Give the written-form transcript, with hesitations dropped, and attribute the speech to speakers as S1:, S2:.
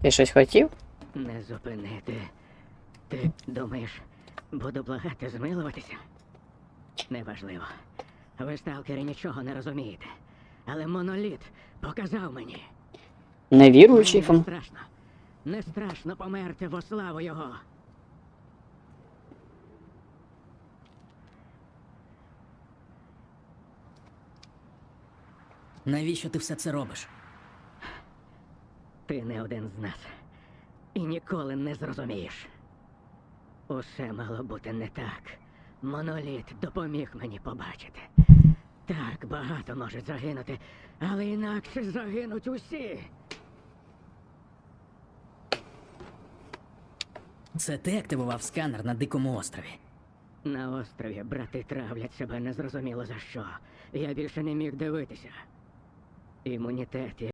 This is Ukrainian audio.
S1: Ти щось хотів?
S2: Не зупинити. Ти думаєш, буду благати змилуватися? Неважливо. Ви, сталкери, нічого не розумієте. Але моноліт показав мені.
S1: Невіруючий
S2: Мені не
S1: фон.
S2: страшно. Не страшно померти во славу його.
S3: Навіщо ти все це робиш?
S2: Ти не один з нас. І ніколи не зрозумієш. Усе мало бути не так. Моноліт допоміг мені побачити. Так, багато можуть загинути, але інакше загинуть усі.
S3: Це ти активував сканер на Дикому острові.
S2: На острові брати травлять себе незрозуміло за що. Я більше не міг дивитися. Імунітет